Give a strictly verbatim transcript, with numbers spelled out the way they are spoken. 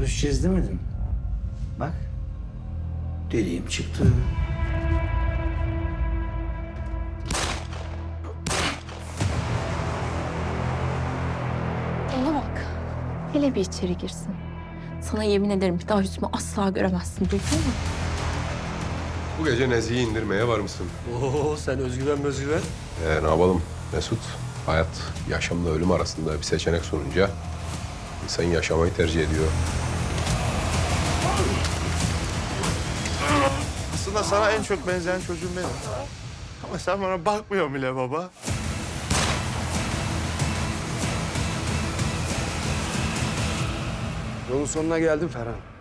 görüşeceğiz demedim. Bak, dediğim çıktı. Ona bak. Hele bir içeri girsin. Sana yemin ederim bir daha yüzümü asla göremezsin. Duydun mu? Bu gece Nezih'i indirmeye var mısın? Oo sen özgüven özgüven. Ee, ne yapalım Mesut? Hayat yaşamla ölüm arasında bir seçenek sununca insan yaşamayı tercih ediyor. Aslında sana en çok benzeyen çocuğum benim. Ama sen bana bakmıyorsun bile baba. Yolun sonuna geldim Ferhan.